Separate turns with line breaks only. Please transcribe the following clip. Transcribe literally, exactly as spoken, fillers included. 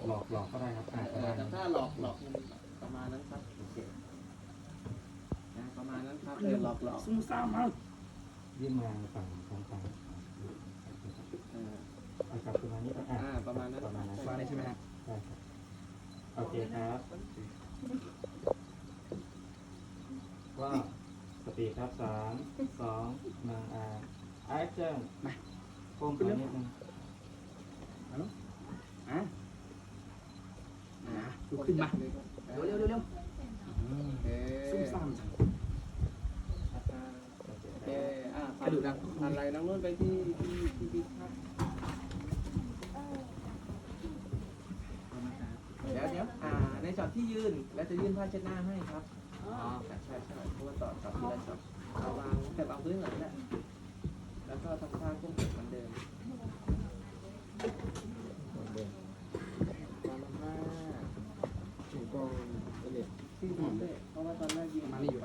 หลอกหลอกก็ได้ครับอ่า
เอ
ก็
อ
ได้
แต่ถ้าหลอกหลอกประมาณนั้นครับโอเคนะประมาณนั้นครับเออหลอกหลอก
ซุ่มซ่ามมาก
ยื่นมาฝั่งทางฝั่ง
เออ
เอากลับประมาณนี้ก็อ่า
อ่าประมาณนั้น
ประมาณนั้น
มาได้ใช่ไหมฮะ
ได้ครับโอเคครับว่าสปีดครับสามสองหนึ่งอ่าไอ้เจ้า
มา
โค้งตัวนิดนึง
มาลูกอ่ะอ่ะลุกขึ้นมาเร็วเร็วเร็วเร็ว
โอเค
ซุ่มซ่ามจัง
โอเค
โอเคอ่ะ
กระดูกดัง
อะไรน้องนุ่นไปที่ที่ที่ที่ครับเดี๋ยวเดี๋ยวอ่าในช็อตที่ยืนแล้วจะยื่นผ้าเช็ดหน้าให้ครับอ๋อใช่ใช่ใช่เพราะว่าต่อต่อทีละช็อตเอาวางแต่วางพื้นหลังแหละแล้วก็ทำท่าก้มเหมือนเดิมตามมา
ถูกกองเอเล็ก
ที่ทำด้วยเพราะว่าตอนแรกยิง
มานี่อยู่